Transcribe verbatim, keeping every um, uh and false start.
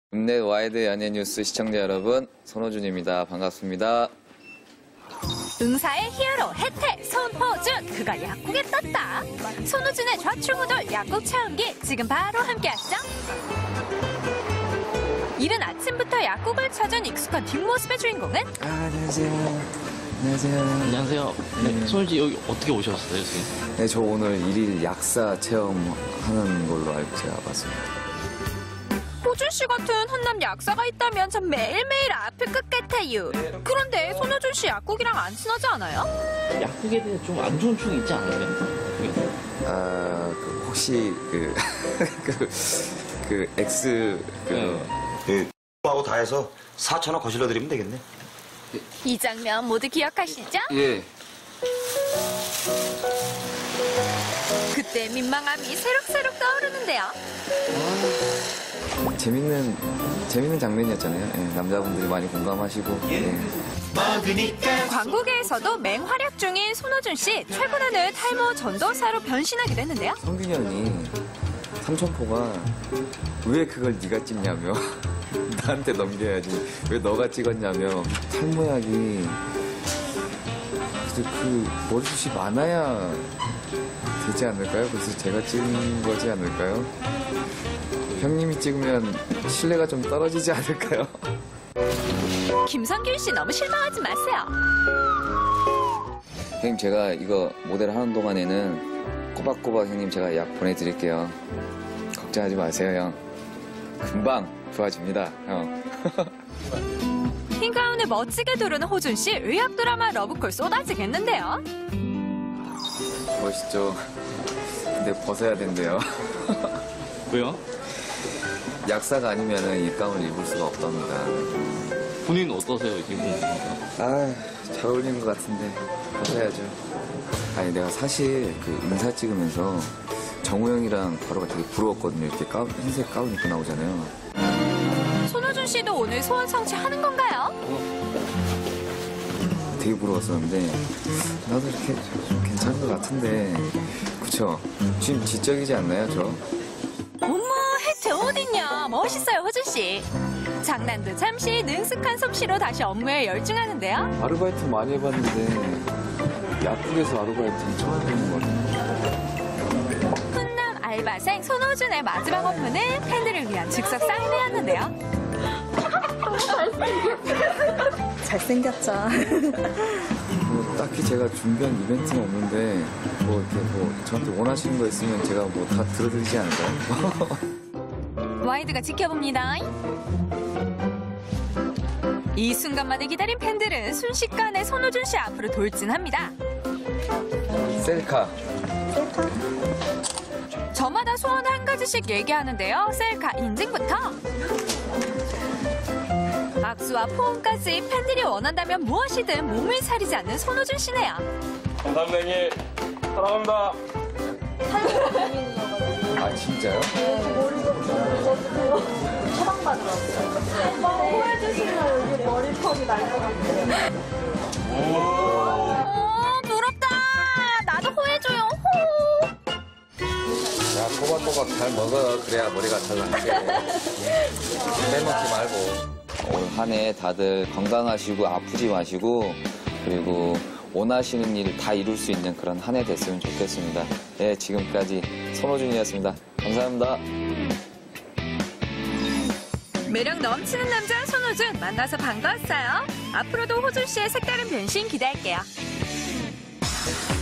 읍내 와이드 연예 뉴스 시청자 여러분, 손호준입니다. 반갑습니다. 응사의 히어로 혜태 손호준, 그가 약국에 떴다. 손호준의 좌충우돌 약국 체험기 지금 바로 함께하시죠. 이른 아침부터 약국을 찾은 익숙한 뒷모습의 주인공은 아, 안녕하세요. 안녕하세요. 안녕하세요. 네, 네. 손일지 여기 어떻게 오셨어요, 지금? 네, 저 오늘 일일 약사 체험하는 걸로 알고 제가 왔습니다. 호준 씨 같은 훈남 약사가 있다면 전 매일매일 아플 것 같아요. 그런데 손호준 씨 약국이랑 안 친하지 않아요? 약국에 대해 좀 안 좋은 충이 있지 않아요? 아, 그 혹시 그, 그, 그, X, 그, 예, 하고 다 해서 사천 원 거실러 드리면 되겠네. 이 장면 모두 기억하시죠? 예. 그때 민망함이 새록새록 떠오르는데요. 재밌는, 재밌는 장면이었잖아요. 예, 남자분들이 많이 공감하시고. 예. 광고계에서도 맹활약 중인 손호준 씨, 최근에는 탈모 전도사로 변신하기도 했는데요. 성균이 형이 삼천포가 왜 그걸 네가 찍냐며 나한테 넘겨야지 왜 너가 찍었냐며 탈모약이 그래서 그 머리숱이 많아야 되지 않을까요? 그래서 제가 찍은 거지 않을까요? 형님이 찍으면 신뢰가 좀 떨어지지 않을까요? 김성균 씨 너무 실망하지 마세요. 형님, 제가 이거 모델 하는 동안에는 꼬박꼬박 형님 제가 약 보내드릴게요. 걱정하지 마세요, 형. 금방 좋아집니다, 형. 흰 가운을 멋지게 두르는 호준 씨, 의학 드라마 러브콜 쏟아지겠는데요. 멋있죠? 근데 벗어야 된대요. 왜요? 약사가 아니면 이 가운을 입을 수가 없답니다. 본인은 어떠세요, 지금? 아, 잘 어울리는 것 같은데 벗어야죠. 아니, 내가 사실 그 인사 찍으면서 정우 형이랑 바로가 되게 부러웠거든요. 이렇게 가운, 흰색 가운 입고 나오잖아요. 손호준 씨도 오늘 소원 성취하는 건가요? 되게 부러웠었는데 나도 이렇게 좀 괜찮은 것 같은데, 그쵸? 지금 지적이지 않나요, 저? 어머, 혜태 어딨냐. 멋있어요, 호준 씨. 장난도 잠시 능숙한 솜씨로 다시 업무에 열중하는데요. 아르바이트 많이 해봤는데 약국에서 아르바이트는 처음 해보는 것 같아요. 훈남 알바생 손호준의 마지막 업무는 팬들을 위한 즉석 사인회였는데요. 잘생겼죠. 뭐 딱히 제가 준비한 이벤트는 없는데 뭐 이렇게 뭐 저한테 원하시는 거 있으면 제가 뭐 다 들어드리지 않을까요? 와이드가 지켜봅니다. 이 순간만을 기다린 팬들은 순식간에 손호준 씨 앞으로 돌진합니다. 셀카. 저마다 소원 한 가지씩 얘기하는데요. 셀카 인증부터 악수와 포옹까지 팬들이 원한다면 무엇이든 몸을 사리지 않는 손호준 씨네요. 감사합니다, 형님. 사랑합니다. 아, 진짜요? 어, 부럽다. 나도 호해줘요. 호. 야, 꼬박꼬박 잘 먹어. 그래야 머리가 잘 나게. 빼먹지 말고. 올 한 해 다들 건강하시고 아프지 마시고, 그리고 원하시는 일 다 이룰 수 있는 그런 한 해 됐으면 좋겠습니다. 네, 지금까지 손호준이었습니다. 감사합니다. 매력 넘치는 남자 손호준 만나서 반가웠어요. 앞으로도 호준 씨의 색다른 변신 기대할게요.